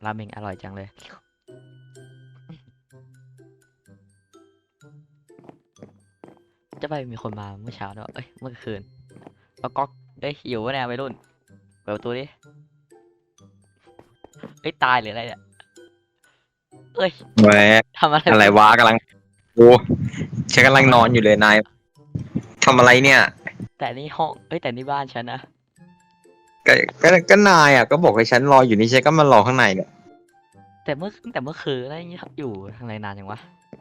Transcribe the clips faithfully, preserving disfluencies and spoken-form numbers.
ราเมงอร่อยจังเลยจะไปมีคนมาเมื่อเช้าเนอะเอ้ยเมื่อคืนแล้วก็เอ้ยอยู่วะเนี่ยวัยรุ่นเปิดประตูดิเอ้ยตายหรืออะไรเนี่ยเอ้ยแหวะทำอะไรอะไรวะวะกำลังโอ้ฉันกำลังทำอะไรนอนอยู่เลยนายทำอะไรเนี่ยแต่นี่ห้องเอ้ยแต่นี่บ้านฉันนะก็ก็ก็นายอ่ะก็บอกให้ฉันรออยู่นี่ฉันก็มารอข้างในเนี่ยแต่เมื่อแต่เมื่อคืนอะไรอย่างเงี้ยอยู่ทางไรนานจังวะ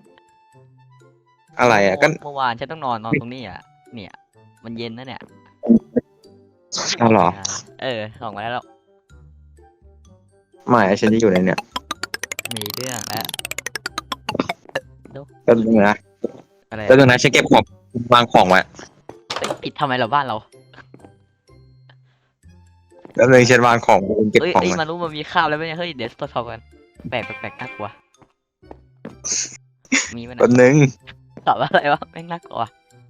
อะไรอ่ะก็เมื่อเมื่อวานฉันต้องนอนนอนตรงนี้อ่ะเนี่ยมันเย็นนะเนี่ยอเอาเหรออกมาเออออกมาแล้วไม่ฉันจะอยู่ในเนี่ยมีเรื่องแล้วดูก็ดูนะอะไรก็ดูนะฉันเก็บของวางของไว้เอ้ยปิดทำไมเราบ้านเราแล้วเลยฉันวางของเก็บเอ้ยของไว้เอ้ยมารู้มันมีข้าวแล้วไหมเนี่ยเฮ้ยเดี๋ยวตรวจสอบกันแปลกแปลกน่ากลัวมีไหมนะแป๊บนึงตอบว่าอะไรวะแม่งน่ากลัว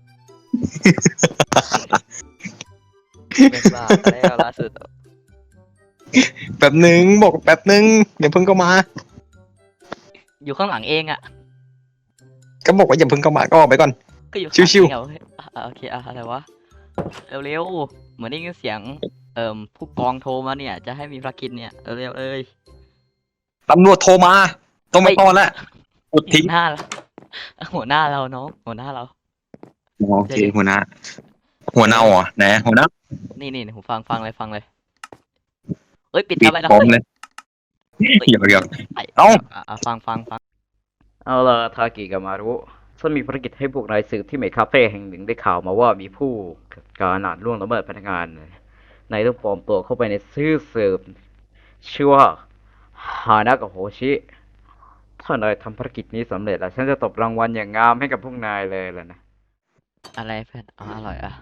เป็นบ้าแล้วล่าสุดแป๊บนึงบอกแป๊บนึงอย่าเพิ่งเข้ามาอยู่ข้างหลังเองอ่ะก็บอกว่าอย่าเพิ่งเข้ามาก็ออกไปก่อนก็อยู่ข้างหลังชิวๆเองอะเฮ้ยอ่ะอ่ะโอเคอ่ะอะไรวะเร็วๆเหมือนได้ยินเสียงเอ่อผู้กองโทรมาเนี่ยจะให้มีภารกิจเนี่ยเร็วๆเอ้ยตำรวจโทรมาต้องไม่ต้อนแล้วกดหัทิ้วงหน้าเราหัวหน้าเราน้องหัวหน้าเราโอเคหัวหน้าหัวเน่าเหรอไหนหัวหน้านี่นี่หูฟังฟังเลยฟังเลยเอ้ยปิดปิดทำไมเราพร้อมเฮ้ยเลยเฮ้ยเดี๋ยวเดี๋ยวไอ้เอ้าอ่ะอ่ะฟังฟังฟังเอาล่ะทากิกับมารุฉันมีภารกิจให้พวกนายสืบที่เมดคาเฟ่แห่งหนึ่งได้ข่าวมาว่ามีผู้การอาจล่วงละเมิดพนักงานนายต้องปลอมตัวเข้าไปในซื่อสืบชื่อว่าฮานะกับโฮชิถ้านายทำภารกิจนี้สำเร็จแล้วฉันจะตบรางวัลอย่างงามให้กับพวกนายเลยล่ะนะอะไรเพื่อนอ๋ออร่อยอ่ะ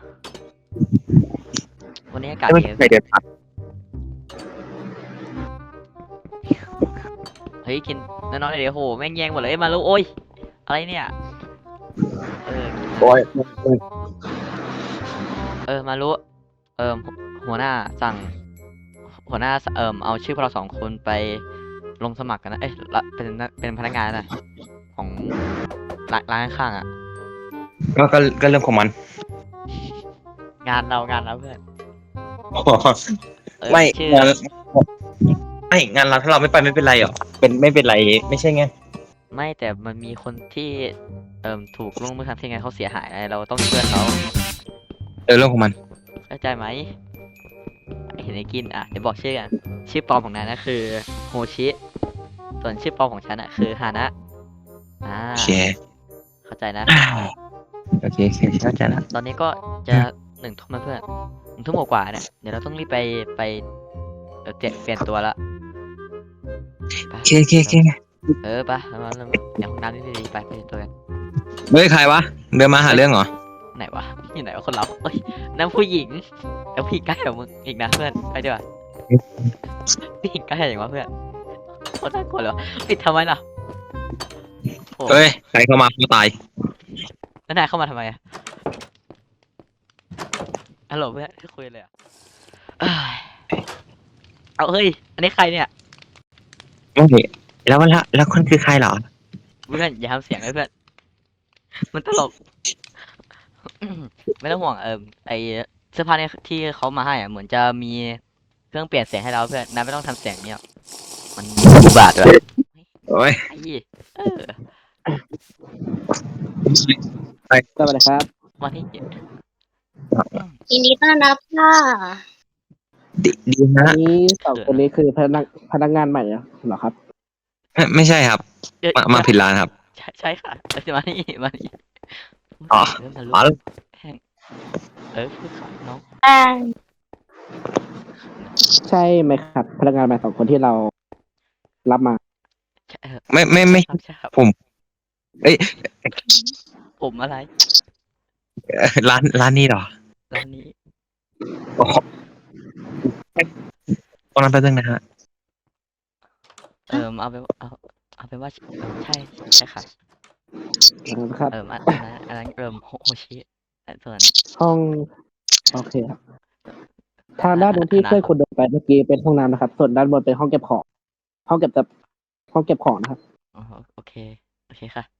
วันนี้อากาศไม่ดีใช่เดือนพัดเฮ้ยกินน้อยๆเดี๋ยวโหแม่งแย่งหมดเลยเอ้ยมาลูกโอ้ยอะไรเนี่ยเออโอ้ยเออมารู้เออหัวหน้าสั่งหัวหน้าเอิมเอาชื่อพวกเราสองคนไปลงสมัครกันนะเอ้ยละเป็นเป็นพนักงานนะของร้านร้านข้างๆอ่ะก็ก็ก็เรื่องของมันงานเรางานเราเพื่อนเออไม่ชื่องานไม่งานเราถ้าเราไม่ไปไม่เป็นไรหรอเป็นไม่เป็นไรไม่ใช่ไงไม่แต่มันมีคนที่เอิมถูกล่วงละเมิดทางเพศไงเขาเสียหายไงเราต้องช่วยเขาเออเรื่องของมันเข้าใจไหมเห็นไอ้กินอ่ะเดี๋ยวบอกชื่อกันชื่อปลอมของนายนะคือโฮชิส่วนชื่อปลอมของฉันอ่ะคือฮานะอ่าโอเคเข้าใจนะโอเคโอเคเข้าใจแล้วตอนนี้ก็จะหนึ่งทุ่มแล้วเพื่อนหนึ่งทุ่มกว่าๆเนี่ยเดี๋ยวเราต้องรีบไปไปเอ่อเปลี่ยนเปลี่ยนตัวละไปโอเคโอเคโอเคเออไปแล้วมาแล้วมาในห้องน้ำนี่ดีๆไปไปเปลี่ยนตัวกันเฮ้ยใครวะเดินมาหาเรื่องเหรอไหนวะอยู่ไหนวะคนเราเอ้ยนั่นผู้หญิงแล้วผู้หญิงใกล้กับมึงอีกนะเพื่อนไปดีกว่าผู้หญิงใกล้อย่างวะเพื่อนโคตรน่ากลัวเลยวะปิดทำไมล่ะโอ้เฮ้ยใครเข้ามาเขาตายแล้วนายเข้ามาทำไมอะฮัลโหลเพื่อนคุยเลยอะเอ้ยเอาเฮ้ยอันนี้ใครเนี่ยโอเคแล้วแล้วแล้วคนคือใครเหรอเพื่อนอย่าทำเสียงเลยเพื่อนมันตลก ไม่ต้องห่วงเออไอเสื้อผ้าเนี่ยที่เขามาให้อ่ะเหมือนจะมีเครื่องเปลี่ยนเสียงให้เราเพื่อนนายไม่ต้องทำเสียงเนี่ยมันอุบาทด้วยโอ้ยไอ้เออไปสวัสดีครับวันนี้ยินดีต้อนรับค่ะดีดีอันะนนี้สองคนนี้คือพนักพนักงานใหม่เหรอครับไม่ไม่ใช่ครับเอ้ยมามาผิดร้านครับใช่ใช่ค่ะเอ้ยมานี่มานี่อ๋อเริ่มทะลุอ๋อแห้งเออพูดค่ะน้องแป้งใช่ไหมครับ พนักงานใหม่สองคนที่เรารับมาใช่เออไม่ไม่ไม่ครับใช่ครับผมเอ้ยผมอะไรเอ่อร้านร้านนี้เหรอร้านนี้อ๋อตอนนั้นแป๊บนึงนะฮะเออเอาไปนเอาเอาเป็นว่าเออใช่ใช่ค่ะครับเอออันอันนั้นอันนั้นเริ่มโฮโฮชิแต่ส่วนห้อง โอเคครับ ทางด้านบนที่เพื่อนคุณเดินไปเมื่อกี้เป็นห้องน้ำนะครับ ส่วนด้านบนเป็นห้องเก็บของห้องเก็บแต่ห้องเก็บของนะครับอ๋อโอเคโอเคค่ะ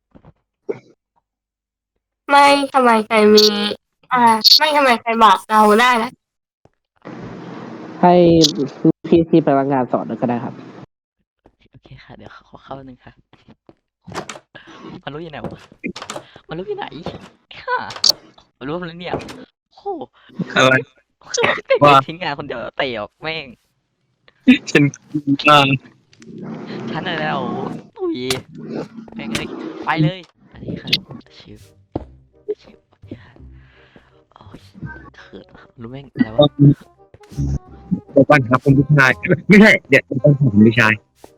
ไม่ทำไมใครมี อ่า ไม่ทำไมใครบอกเราได้นะให้พี่ที่พนักงานสอนก็ได้ครับโอเคค่ะ เดี๋ยวขอเข้าหนึ่งค่ะ มันรู้อยู่ไหนวะมันรู้อยู่ไหนค่ะมันรู้แล้วเนี่ยโอ้อะไรคือมันจะเตะว่าทิ้งงานคนเดียวเตะออกแม่งฉันอ่าฉันอะไรแล้วตุ้ยแม่งเลยไปเลย อันนี้ค่ะชิวชิวโอเคค่ะโอ้ยเขินว่ะรู้แม่งอะไรวะเดี๋ยวก่อนครับคุณผู้ชายไม่ใช่เดี๋ยวต้องถามคุณผู้ชาย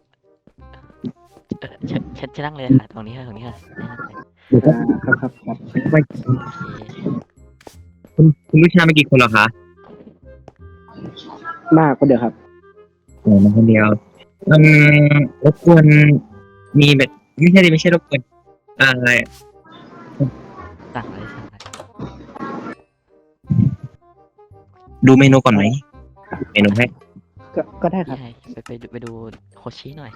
เออฉันฉันจะนั่งเลยค่ะตรงนี้ค่ะตรงนี้ค่ะนั่งเลยเดี๋ยวอ่าครับครับครับไม่โอเคคุณคุณผู้ชายมากี่คนเหรอคะมากคนเดียวครับโอ้มาคนเดียวอืมรบกวนมีแบบไม่ใช่ดิไม่ใช่รบกวนอ่าอะไรสั่งเลยสั่งเลยดูเมนูก่อนไหมเมนูให้ก็ก็ได้ครับพี่ไฮไปไปดูไปดูโคชิหน่อย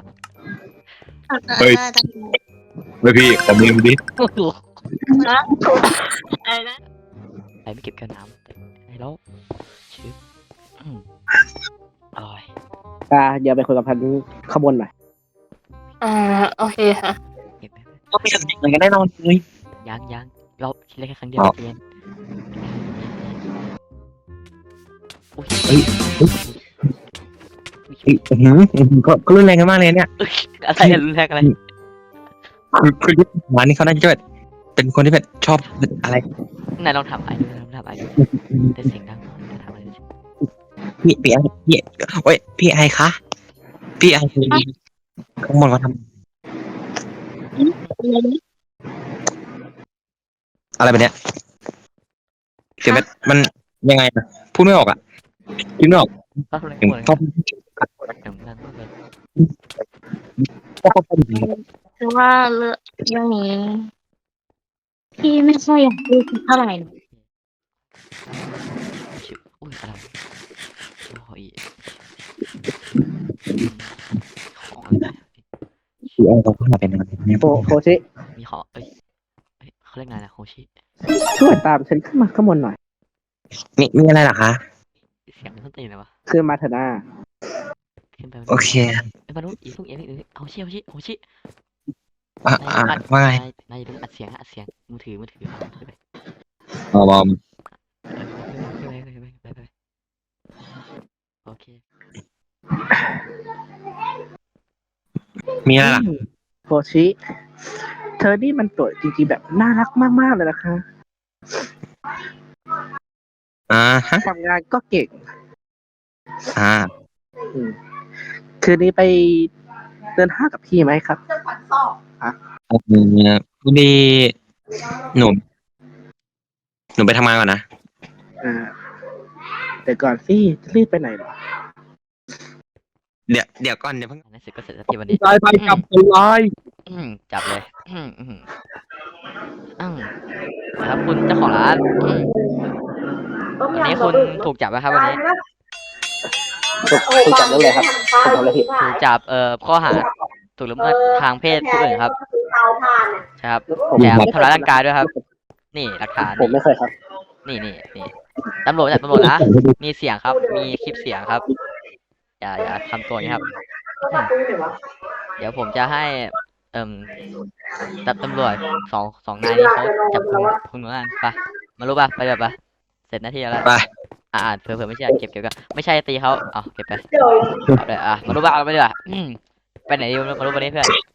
เฮ้ย ไม่พี่ขอเมนูดิโอ้โหนะอะไรนะไปไม่เก็บแก้วน้ำไอ้แล้วชิวอืมอร่อยอ่าเดี๋ยวไปคุยกับพันขบวนหน่อยอ่า โอเคค่ะเก็บไปไปก็ไม่สนิทเหมือนกันแน่นอนเลยยังยังเราคิดได้แค่ครั้งเดียวอ๋อเรียนอุ้ยเฮ้ยอุ๊ยอื้อหืออื้อหือก็ก็รุนแรงกันมากเลยเนี่ยอุ๊ยอะไรอะรุนแรงอะไรคือคือยุคหวานนี่เขาน่าจะแบบเป็นคนที่แบบชอบอะไรนายลองทำไอ้ดูลองทำไอ้ดูแต่เสียงดังทำอะไรสิพี่พี่ไอพี่โอ้ยพี่ไอคะพี่ไอคือข้างบนเขาทำอะไรแบบเนี้ยเสียงแบบมันยังไงอะพูดไม่ออกอ่ะคิดไม่ออกก็รุนแรงถึงหมดเลยชอบเสียงดังมากเลยชอบพูดคือว่าเรื่องเรื่องนี้ พี่ไม่ค่อยอยากพูดเท่าไหร่นะชิวอุ้ยอะไรโอ้ยของอะไรพี่ไอเขาพูดมาเป็นอะไรเนี่ยโคโคชิมีของเอ้ยเอ้ยเขาเรียกไงนะโคชิช่วยตามฉันขึ้นมาข้างบนหน่อยมีมีอะไรเหรอคะเสียงมันต้นตีนเลยวะคือมาเถอะหน้าขึ้นไปโอเคไอ้ยมนุษย์อีกลูกเอ็นอีกเอาชิเอาชิเอาชิอ่ะอ่ะว่าไงนายนายอย่าลืมอัดเสียงนะอัดเสียงมือถือมือถือเอาขึ้นไปอ๋อบอมเออขึ้นไปขึ้นไปขึ้นไปขึ้นไปโอเคมีอะไรล่ะโคชิ เธอนี่มันตัวจริงๆแบบน่ารักมากๆเลยนะคะอ่าฮะทำงานก็เก่งอ่าอืมคืนนี้ไปเดินห้างกับพี่ไหมครับอืมพอดีหนูหนูไปทำงานก่อนนะอ่าแต่ก่อนสิจะรีบไปไหนเหรอเดี๋ยวเดี๋ยวก่อนเดี๋ยวเพิ่งอันนั้นเสร็จก็เสร็จสักทีวันนี้ไปไปจับไปเลยอืมจับเลยอืมอืมอืมครับคุณเจ้าของร้านอืมวันนี้คุณถูกจับไหมครับวันนี้ถูกถูกจับเรื่องอะไรครับผมทำอะไรผิดถูกจับเอ่อข้อหาถูกละเมิดทางเพศผู้อื่นครับใช่ครับผมแถมไม่เคทำร้ายร่างกายด้วยครับ นี่หลักฐานผมไม่เคยครับนี่นี่นี่ตำรวจจับตำรวจนะมีเสียงครับ มีคลิปเสียงครับ อย่าอย่าทำตัวอย่างนี้ครับอืมเดี๋ยวผมจะให้ เอ่มตับตำรวจสองสองนายนี้เขาจับคุณคุณเหมือนกันไปมารู้ป่ะไปแบบปะเสร็จหน้าที่แล้วไปอ่าเผื่อเผื่อไม่ใช่เก็บเก็บกันไม่ใช่ตีเขาเอาเก็บไปเอาเลยอ่ะมารู้ป่ะเอาไปดีกว่าอืมไปไหนดีมารู้วันนี้เพื่อน